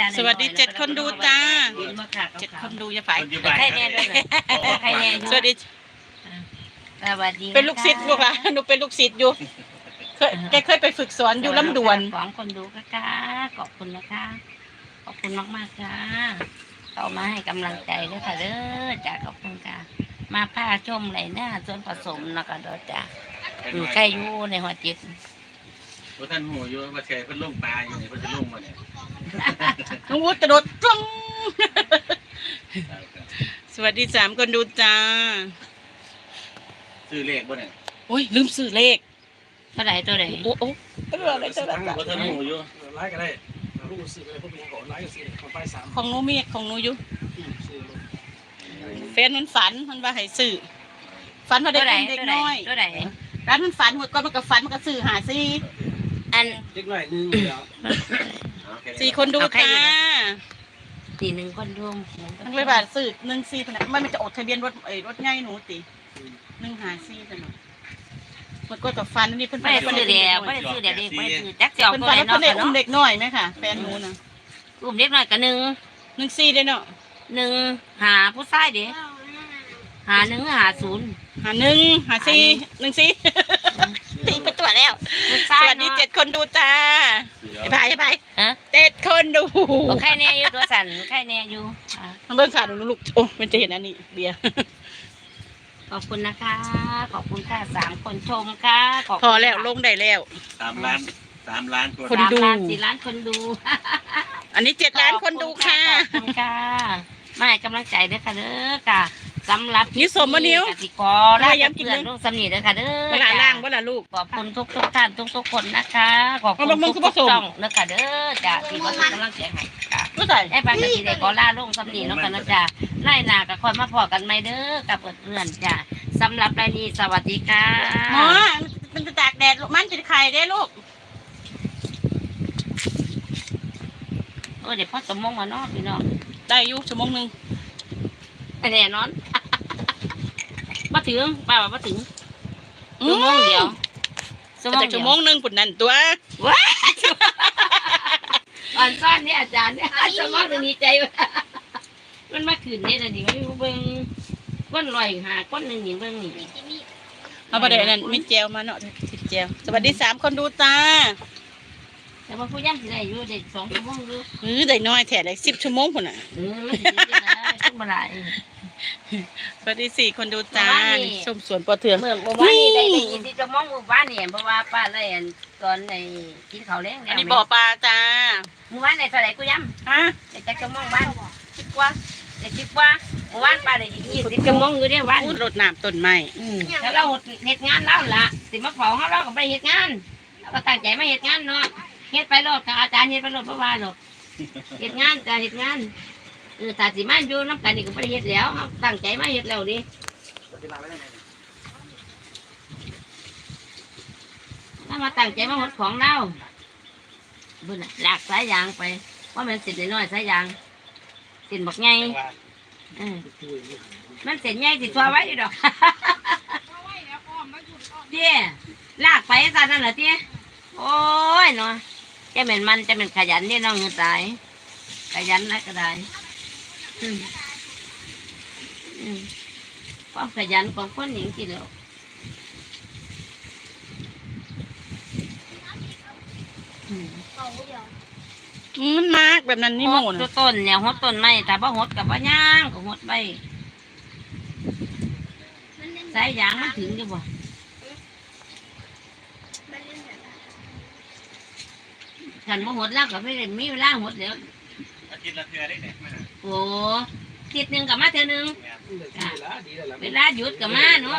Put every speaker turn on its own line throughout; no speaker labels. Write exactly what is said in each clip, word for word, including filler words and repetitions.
สวัสดีเจ็ดคนดูจ้าเจ็ดคนดูอย่าฝ่ายใครแน่ด้วยใครแน่สวัสดี
สวัสดี
เป็นลูกศิษย์ลูกหลานหนูเป็นลูกศิษย์อยู่เคยแกเคยไปฝึกสอนอยู่ลำดวน
สองคนดูค่ะขอบคุณนะคะขอบคุณมากมากค่ะเข้ามาให้กำลังใจด้วยค่ะเด้อจ้าขอบคุณค่ะมาผ้าชมไรหน้าส่วนผสมนะคะเด้อจ้าใครอยู่ในหัวจิต
พวกท่านหูอยู่ว่าเชยเพิ่นลงปลาอยู่นี่เพิ่นจะลงมาเนี่ย
น้องวุฒิกระโดดจ้องสวัสดีสามคนดูจ้า
ซื้อเลขบ่เนี่ย
โอ้ยลืมซื้อเลข
เท่าไหร่ตัวไหน
โอ้โหตัวอะไรตัวอะไร
พวกท่านหูอยู่
ไลค์ก็ได้ลูกซื้ออะไรพวกนี้ก่อนไลค์ก็ซื้อของไปสาม
ของหนูมีของหนูอยู่แฟนมันฝันมันว่าให้ซื้อฝันว่าได้เด็กน้อย
ตัวไหน
ร้านมันฝันหมดก่อนมันก็ฝันมันก็ซื้อหาซี
อัน
เด็กน้อยหนึ่งแล้ว
สี่คนดูจ้า
สี่หนึ่งคนดู
มันเลยว่าซื้อหนึ่งซีขนาดมันจะอดทะเบียนรถไอ้รถง่ายหนูตีหนึ่งหาซีขนาดมันก็กับฟันนี่เพิ่น
ไม่ได้ซื้อเดียวไม่ได้ซื้อเดียวเด็กไม่ได้ซื้อจักเสี่ยวตัวไหนเนาะ
เพิ่นเด็กน้อยไหมค่ะแฟนหนูนะ
อุ้มเด็กน้อยกับหนึ่ง
หนึ่งซีได้เนาะ
หนึ่งหาผู้ชายเด็กหาหนึ่งหาศูนย์
หาหนึ่งหาซีหนึ่งซีตีไปตัวแล้วสวัสดีเจ็ดคนดูจ้าไอ้พายไอ้พายเจ็ดคนดู
โอเคแน่อยู่ตัวสั่นโอเคแน่อยู่
มันเบิ่งขาดลูกโอ้มันจะเห็นอันนี้เบียร์
ขอบคุณนะคะขอบคุณค่ะสามคนชมค่ะ
พอแล้วลงได้แล้ว
สามล้านสามล้าน
คนดู
สี่ล้านคนดู
อันนี้เจ็ดล้านคนดูค่ะ
ขอบคุณค่ะมาให้กำลังใจด้วยค่ะเด้อค่ะสำหรับ
นี่สมมนิ้ว
ติกรและเพื่อนลูกสำนีด้วยค่ะเด้อ
เวลาล่างเวลาลูก
ขอบคุณทุกทุกท่านทุกทุกคนนะคะขอบคุณทุกทุกช่องด้วยค่ะเด้อจ้าที่มาให้กำลังใจให้ค่ะไอ้ปากกะทิได้ขอล่าลงสำนีแล้วกันนะจ้าไล่นากับคนมาพอกันไหมเด้อกับเพื่อนจ้าสำหรับรายนี้สวัสดีค่ะ
หมอมันจะตากแดดมันจะไข่ได้ลูก
เออเดี๋ยวพ่อสมมงมาเนาะพี่น้อง
ได้อยู่ชั่วโมงหนึ่ง
แน่นอนมาถึงป้าว่ามาถึงชั่วโมงเดียว
แต่ชั่วโมงหนึ่งปุ่นนั่นตัว
ว้าอ่อนซ่อนเนี่ยอาจารย์เนี่ยชั่วโมงหนึ่งดีใจมันมาขืนเนี่ยแต่ดิไม่รู้เบิ้งก้นลอยหาก้นหนึ่งหญิงเบิ้งนี่
เอาประเด็นนั้นมีเจลมาเนาะติดเจลสวัสดีสามคนดูจ้า
แต่ว่าผู้ย่ำสิได้อยู่เด็กสองชั่วโมงดู
เออได้น้อยแถได้สิบชั่วโมงคนน่ะ
เออขึ้นมาหลาย
สวัสดีสี่คนดูจ้าชมสวนปอเถื่อน
เมื่อเมื่อวานนี้ได้ได้ยินที่จะมองเมื่อวานนี่เพราะว่าป้าได้ตอนในกินข้าวเลี้ยง
อันนี้บ่อปลาจ้า
เมื่อวานในเท่าไหร่กูย่ำ
ฮะ
แต่จะจะมองบ้านคิดว่าแต่คิดว่าเมื่อวานป้าได้ยินที่จะมองอยู่เนี่ยวัน
รดน้ำต้นไม้
แล้วเราเหตุงานแล้วล่ะสิมาเผาเขาเราก็ไปเหตุงานเราก็ตั้งใจมาเหตุงานเนาะเฮ็ดไปโลดกับอาจารย์เฮ็ดไปโลดเพราะว่าหรอกเฮ็ดงานจะเฮ็ดงานเออถ้าสิมาอยู่น้ำกันนี่ก็ไม่ได้เฮ็ดแล้วตั้งใจมาเฮ็ดแล้วดิถ้ามาตั้งใจมาหดของเราบุญหลากสายยางไปว่ามันเสร็จน้อยสายยางเสร็จบักไงเออมันเสร็จไงสิทัวไว้อยู่ดอกเตี้ยลากไปซะนั่นเหรอเตี้ยโอ้ยเนาะจะเหม็นมันจะเหม็นขยันนี่น้องเงินตายขยันนะก็ได้อืมอืมความขยันของคนหญิงกี่เดียว
มันมากแบบนั้นนี่โม่
นะต้นเนี่ยหดต้นไม้แต่ว่าหดกับว่าย่างก็หดไปสายยางมันถึงอยู่บ่ฉันมาหดแล้วก็ไม่ได้มีเวลาหดแล้ว
อาทิตย์ละเทื่อได้เนี่ย
โอ้ทิศหนึ่งกับมาเทื่อหนึ่งเวลาหยุดกับมาเนาะ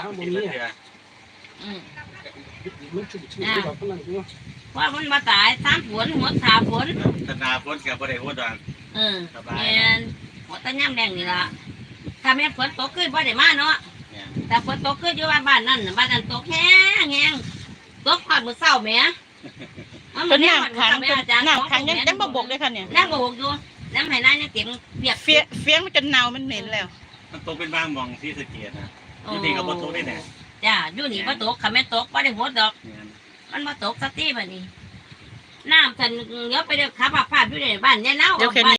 ว่ามันมาตายสามฝนหดสามฝน
ธนาฝนกับประเดี๋ยวดอน
เออแม่นหดตะย่ำแดงนี่ละถ้าแม่ฝนตกขึ้นประเดี๋ยวมาเนาะแต่ฝนตกขึ้นอยู่บ้านนั่นบ้านนั่นตกแห้งแห้งตกผ่านมือเศร้าแม่
เป็นน้ำขังเป็นน้ำขังยังยังบกเลยค่ะเนี่ย
น้ำบกอยู่น้ำไหหน้ายังเก็บเปียก
เฟี้ยเฟี้ยมันจนเน่ามันเหม็นแล้ว
มันตกเป็นบางมองที่สะเกียดนะอยู่ที่กับบ่ตกได้แน่
จ้าอยู่นี่บ่ตกค่ะแม่ตกบ่ได้หัวดอกมันบ่ตกสักทีแบบนี้น้ำฉันเดี๋ยวไปเดี๋ยวขับผ่านอยู่ในบ้านเนี่ยเน่า